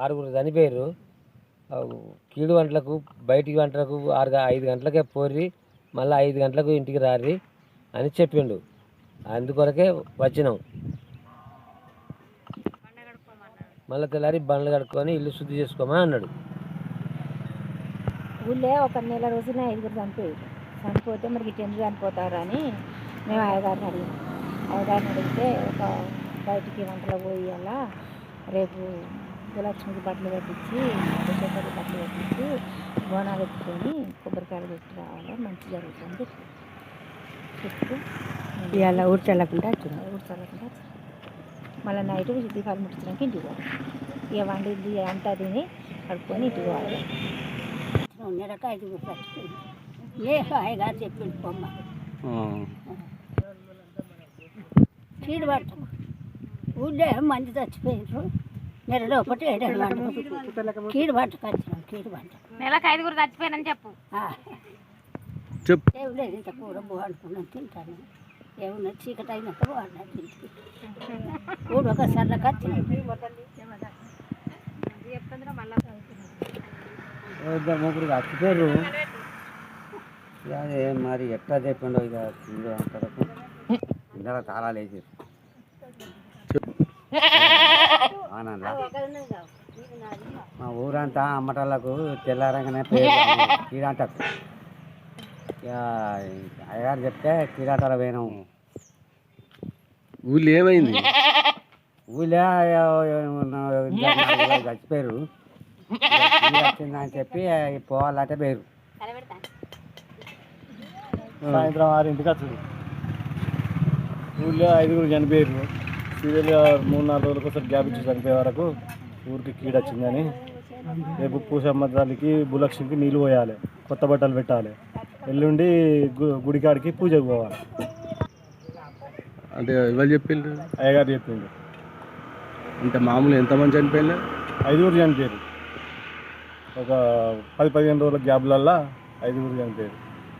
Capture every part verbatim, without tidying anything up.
ఆరుగురు చనిపోయారు. కీడు గంటలకు బయటికి గంటలకు ఆరు ఐదు గంటలకే పోర్రి మళ్ళీ ఐదు గంటలకు ఇంటికి రారి అని చెప్పిండు. అందుకొరకే వచ్చినాం. మళ్ళీ తెల్లారి బండ్లు కడుక్కొని ఇల్లు శుద్ధి చేసుకోమని అన్నాడు. ఊళ్ళో ఒక నెల రోజునే ఐదుగురు చనిపోయారు. చనిపోతే మరి ఇటు ఎందుకు చనిపోతారు అని మేము అయ్యగారిని అడిగాం. అయ్యగారిని అడిగితే ఒక బయటికి వంటలో పోయి అలా రేపు భూలక్ష్మికి బట్టలు పెట్టించి కొబ్బరికాయలు బట్టలు పెట్టించి బోనాలు ఎత్తుకొని కొబ్బరికాయలు పెట్టి రావాలి, మంచి జరుగుతుంది చెప్పి చెప్తూ ఇలా ఊడ్చల్లకుండా వచ్చింది. ఊడ్చల్లకుండా మళ్ళీ నైట్ దీపాలు ముట్టించడానికి ఇంటికి పోవాలి. ఇక వండింది అంతా తిని కడుక్కొని ఇంటికి పోవాలి. నెలకు ఐదుగురు చచ్చిపోయింది. ఏ హాయిగారు చెప్పింది బొమ్మ చీడు పట్ట ఊళ్ళో మంది చచ్చిపోయారు. నెలలో ఒకటి ఏడాది వంట కీడు పంట వచ్చినాం. కీడు పంట నెలకు ఐదుగురు చచ్చిపోయానని చెప్పు. ఏమి లేదు, ఇంత కూర బాగుంటున్నాను తింటాను. ఏమన్నా చీకటి అయినాక బాగున్నా తింటే కూడు ఒక సర్లకు వచ్చినాం. ఇద్దరు ముగ్గురు చచ్చిపోయారు. అదే మరి ఎట్లా చెప్పిండో ఇక అంతవరకు ఇందులో తాళాలు వేసారు. ఆనంద మా ఊరంతా అమ్మటాలకు తెల్లారంగానే కీడాటకు అయ్యగారు చెప్తే కీడాటాలు పోయినాము. ఊళ్ళో ఏమైంది? ఊళ్ళో చచ్చిపోయారు. వచ్చిందని చెప్పి పోవాలంటే పోయారు. సాయంత్రం ఆరింటికి వచ్చాడు. ఊళ్ళో ఐదుగురు చనిపోయారు. సీరియల్గా మూడు నాలుగు రోజులకు ఒకసారి గ్యాప్ ఇచ్చి చనిపోయే వరకు ఊరికి కీడు వచ్చిందని రేపు పూసమ్మ తల్లికి భూలక్ష్మికి నీళ్ళు పోయాలి, కొత్త బట్టలు పెట్టాలి, ఎల్లుండి గు గుడికాడికి పూజకు పోవాలి అంటే ఎవరు చెప్పిండు? అయ్యగారు చెప్పిండు. అంటే మామూలు ఎంతమంది చనిపోయినా? ఐదుగురు చనిపోయారు. ఒక పది పదిహేను రోజుల గ్యాప్లల్లా ఐదుగురు చనిపోయారు.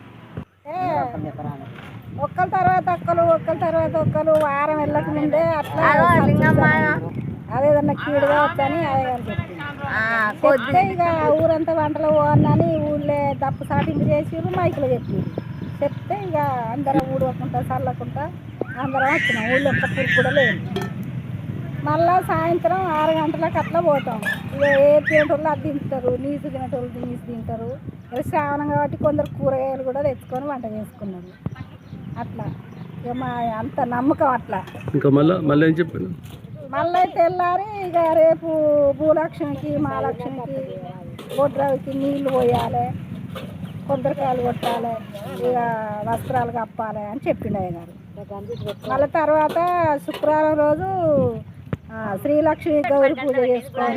ఒక్కల తర్వాత ఒక్కరు ఒక్కల తర్వాత ఒక్కరు వారం వెళ్ళక ముందే అట్లా అదేదన్నా కీడుగా వచ్చని అయ్యగారు చెప్పింది. చెప్తే ఇక ఊరంతా వంటలు పోవన్నని ఊళ్ళో దప్పు సాటింపు చేసిర్రు, మైకులు చెప్పారు. చెప్తే ఇక అందరం ఊడవకుండా చల్లకుండా అందరం వచ్చినాం. ఊళ్ళో ఒక్క పురుగు కూడా లేదు. మళ్ళా సాయంత్రం ఆరు గంటలకు అట్లా పోతాం. ఇక ఏ తినేటోళ్ళు అది తింటారు, నీసు తినేటోళ్ళు నీసు తింటారు. శ్రావణం కాబట్టి కొందరు కూరగాయలు కూడా తెచ్చుకొని వంట చేసుకున్నారు. అట్లా ఇక మా అంత నమ్మకం అట్లా. ఇంకా మళ్ళీ మళ్ళీ ఏం చెప్పాను? మళ్ళీ తెల్లారి ఇక రేపు భూలక్ష్మికి మహాలక్ష్మికి బొడ్రావికి నీళ్లు పోయాలి, కొబ్బరికాయలు కొట్టాలి, ఇక వస్త్రాలు కప్పాలి అని చెప్పిండు అయ్యగారు. మళ్ళీ తర్వాత శుక్రవారం రోజు శ్రీలక్ష్మి గౌరి పూజ చేసుకోవాలి.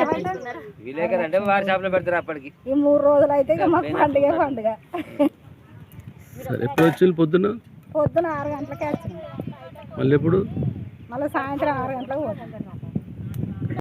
ఈ మూడు రోజులు అయితే ఇక మాకు పండుగ పండుగ. ఎప్పుడు వచ్చి పొద్దున? పొద్దున ఆరు గంటలకే వచ్చినాం. మళ్ళీ ఎప్పుడు? మళ్ళీ సాయంత్రం ఆరు గంటలకు పోతాం.